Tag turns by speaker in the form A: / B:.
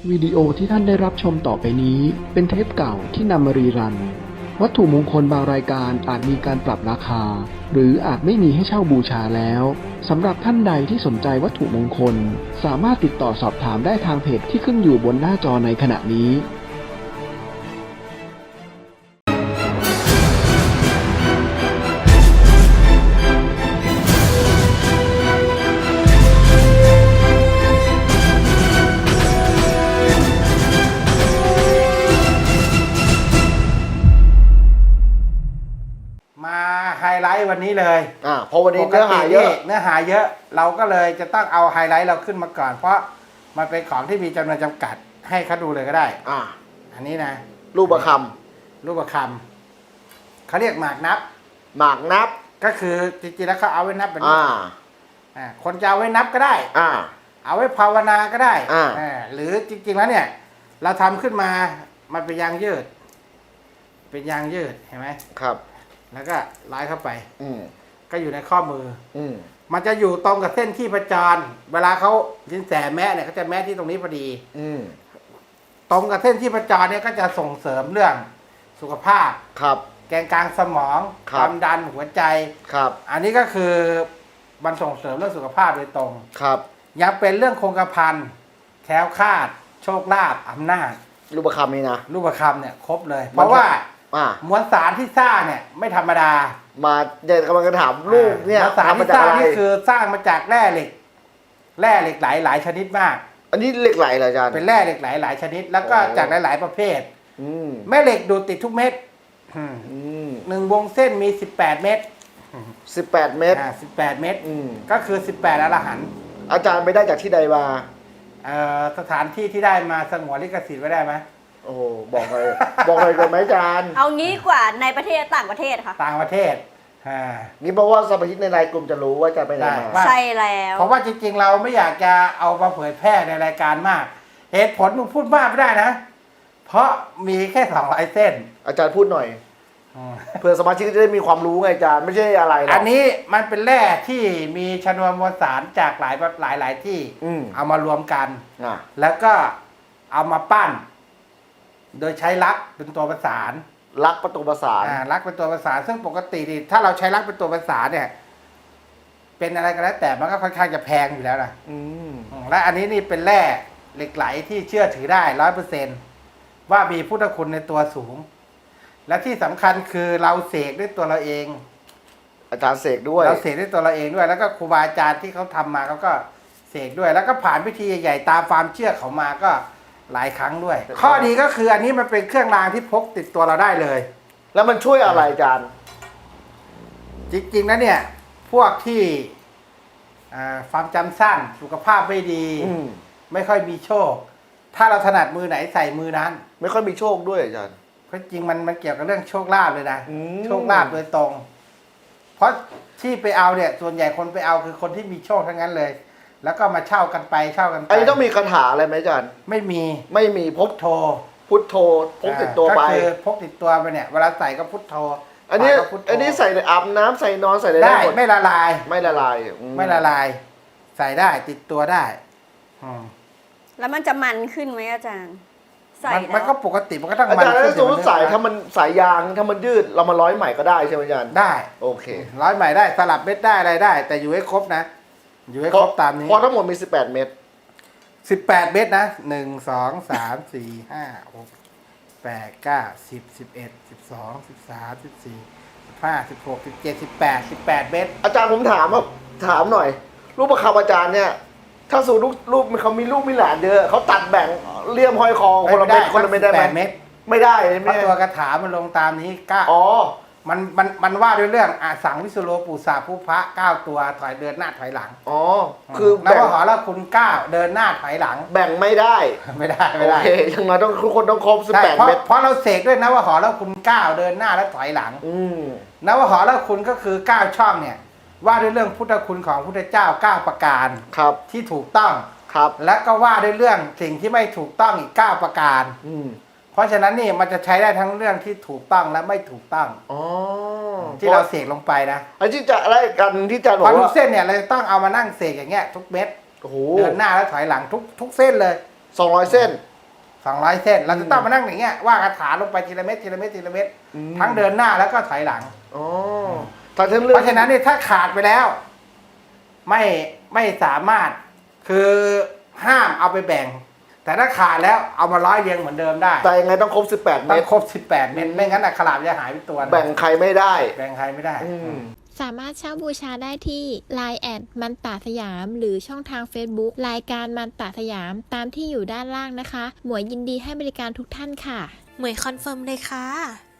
A: วิดีโอที่ท่านได้รับชมต่อไปนี้เป็นเทปเก่าที่นำมารีรันวัตถุมงคลบางรายการอาจมีการปรับราคาหรืออาจไม่มีให้เช่าบูชาแล้วสำหรับท่านใดที่สนใจวัตถุมงคลสามารถติดต่อสอบถามได้ทางเพจที่ขึ้นอยู่บนหน้าจอในขณะนี้
B: มาไฮไลท์วันนี้เลย
C: เพราะวันนี้เนื้อหาเยอะ
B: เนื้อหาเยอะเราก็เลยจะต้องเอาไฮไลท์เราขึ้นมาก่อน เพราะมันเป็นของที่มีจำนวนจำกัดให้เขาดูเลยก็ได้อันนี้นะ
C: รูปประค
B: รูปประคำเขาเรียกหมากนับ
C: ำหมากนับ
B: ก็คือจริงๆแล้วเขาเอาไว้นับแบบนี้คนจะเอาไว้นับก็ได้เอาไว้ภาวนาก็ได้หรือจริงๆแล้วเนี่ยเราทำขึ้นมามันเป็นยางยืดเป็นยางยืดเห็นไหม
C: ครับ
B: แล้วก็ร้อยเข้าไปก็อยู่ในข้อมือ
C: มัน
B: จะอยู่ตรงกับเส้นที่ประจรเวลาเขาสินแสแม่เนี่ยเขาจะแม่ที่ตรงนี้พอดีตรงกับเส้นที่ประจรเนี่ยก็จะส่งเสริมเรื่องสุขภาพ
C: ครับ
B: แกนกลางสมองความดันหัวใจ
C: ครับ
B: อันนี้ก็คือมันส่งเสริมเรื่องสุขภาพโดยตรง
C: ครับ
B: ยังเป็นเรื่องคงกระพันแคล้วคลาดโชคลาภอำนาจ
C: รูปประคำนี่นะ
B: รูปประคำเนี่ยครบเลยเพราะว่ามวลสารที่สร้างเนี่ยไม่ธรรมดา
C: มาเดี๋ยวกำลังจะถามลูกเนี่ย
B: มวลสารที่สร้างนี่คือสร้างมาจากแร่เหล็กไหลหลายชนิดมาก
C: อันนี้เหล็กไหลเหรออาจารย์
B: เป็นแร่เหล็กไหลหลายชนิดแล้วก็จากหลายๆประเภทแม่เหล็กดูดติดทุกเม็ดหนึ่งวงเส้นมี18 เม็ด
C: 18 เม็ด
B: 18 เม็ดก็คือ18อรหันต์
C: อาจารย์ไปได้จากที่ใดมา
B: สถานที่ที่ได้มาสงวนลิขสิทธิ์ไว้ได้ไหม
C: โอ้บอกเลยบอกเลยก่อนไหมอาจารย์
D: เอางี้กว่าในประเทศต่างประเทศค่ะ
B: ต่างประเทศ
C: นี่เพราะว่าสมาชิกในรายกลุ่มจะรู้ว่าจะไปไหนมา
D: ใช่แล้ว
B: เพราะว่าจริงๆเราไม่อยากจะเอามาเผยแพร่ในรายการมากเหตุผลมึงพูดมากไม่ได้นะเพราะมีแค่200 เส้น
C: อาจารย์พูดหน่อยเพื่อสมาชิกจะได้มีความรู้ไงอาจารย์ไม่ใช่อะไรหรอก
B: อันนี้มันเป็นแร่ที่มีชนวนมวลสารจากหลายที่เอามารวมกันแล้วก็เอามาปั้นโดยใช้ลักเป็นตัวประสาน
C: ลักเป็นตัวประสาน
B: ลักเป็นตัวประสานซึ่งปกติถ้าเราใช้ลักเป็นตัวประสานเนี่ยเป็นอะไรก็แล้วแต่มันก็ค่อนข้างจะแพงอยู่แล้วนะและอันนี้นี่เป็นแร่เหล็กไหลที่เชื่อถือได้100%ว่ามีพุทธคุณในตัวสูงและที่สำคัญคือเราเสกด้วยตัวเราเอง
C: อาจารย์เสกด้วย
B: เราเสกด้วยตัวเราเองด้วยแล้วก็ครูบาอาจารย์ที่เขาทำมาเขาก็เสกด้วยแล้วก็ผ่านพิธีใหญ่ๆตามความเชื่อเขามาก็หลายครั้งด้วยข้อดีก็คืออันนี้มันเป็นเครื่องรางที่พกติดตัวเราได้เลย
C: แล้วมันช่วยอะไรอาจารย์
B: จริงๆนะเนี่ยพวกที่ความจำสั้นสุขภาพไม่ดีไม่ค่อยมีโชคถ้าเราถนัดมือไหนใส่มือนั้น
C: ไม่ค่อยมีโชคด้วยอาจารย์
B: เพราะจริงมันเกี่ยวกับเรื่องโชคลาภเลยนะโชคลาภโดยตรงเพราะที่ไปเอาเนี่ยส่วนใหญ่คนไปเอาคือคนที่มีโชคทั้งนั้นเลยแล้วก็มาเช่ากันไปไอ้
C: ต้องมีคาถาอะไรไหมอาจารย์
B: ไม่มี
C: พกโทพุทโธพกติดตัวไป
B: ก็คือพกติดตัวไปเนี่ยเวลาใส่ก็พุทโธ
C: อันนี้ใส่อาบน้ำใส่นอนใส่
B: ได้ไม่ละลาย
C: ไม่ละลาย
B: ใส่ได้ติดตัวได้
D: แล้วมันจะมันขึ้นไหมอาจารย์ใส่
B: มันก็ปกติมันก็ต้อง
C: มันอาจารย์ถ้าสมมติใส่ถ้ามันสายยางถ้ามันยืดเรามาร้อยใหม่ก็ได้ใช่ไหมอาจารย์
B: ได้
C: โอเค
B: ร้อยใหม่ได้สลับเม็ดได้อะไรได้ แต่อยู่ให้ครบนะอยู่ให้ครบตามนี้
C: พอทั้งหมดมี18 เม็ด
B: 18 เม็ดนะ1 2 3 4 5 6 8 9 10 11 12 13 14 15 16 17 18เม็ด
C: อาจารย์ผมถามหน่อยรูปประคำอาจารย์เนี่ยถ้าสูรูปเขามีลูกมีหลานเยอะเขาตัดแบ่งเลี่ยมห้อยคอคนละเม็ดไม่ได้
B: เม็ด
C: ไม่ได้
B: เพราะตัวกระถามันลงตามนี้ก้ามันว่าด้วยเรื่องสังวิสุโรปุสาภูพระ9 ตัวถอยเดินหน้าถอยหลัง
C: คือ
B: นับว่าหอละคุณ9เดินหน้าถอยหลัง
C: แบ่งไม่ได้โอเคยังไงทุกคนต้องครบ18 เม็ด
B: เพราะเราเสกด้วยนะว่าหอละคุณ9เดินหน้าและถอยหลังนับว่าหอละคุณก็คือ9 ช่องเนี่ยว่าด้วยเรื่องพุทธคุณของพุทธเจ้า9 ประการที่ถูกต้องและก็ว่าด้วยเรื่องสิ่งที่ไม่ถูกต้องอีก9 ประการเพราะฉะนั้นนี่มันจะใช้ได้ทั้งเรื่องที่ถูกต้องและไม่ถูกต้องที่เราเสกลงไปนะ
C: อันที่จะอะไรกันที่จะบอก
B: ว่าทุกเส้นเนี่ยเราจะต้องเอามานั่งเสกอย่างเงี้ยทุกเม็ดเดินหน้าและถอยหลังทุกเส้นเลย
C: 200 เส้น
B: 200 เส้นเราจะต้องมานั่งอย่างเงี้ยว่าคาถาลงไปทีละเม็ดทีละเม็ดทีละเม็ดทั้งเดินหน้าแล้วก็ถอยหลัง
C: อ๋อเพราะฉะนั้น
B: เนี่ยถ้าขาดไปแล้ว ไม่สามารถคือห้ามเอาไปแบ่ง แต่ถ้าขาดแล้วเอามาร้อยเรียงเหมือนเดิมได้
C: แต่ยังไงต้องครบ18 เม็
B: ต้อ
C: ด
B: งครบ18 เม็ดไม่งั้นอักขระจะหายไปตัวนะ
C: แบ่งใครไม่ได้
B: แบ่งใครไม่ได้
E: สามารถเช่าบูชาได้ที่ Line แอดมันตาสยาม หรือช่องทาง Facebook รายการมันตาสยามตามที่อยู่ด้านล่างนะคะ หมวยยินดีให้บริการทุกท่านค่ะ
F: หมวยคอนเฟิร์มเลยค่ะ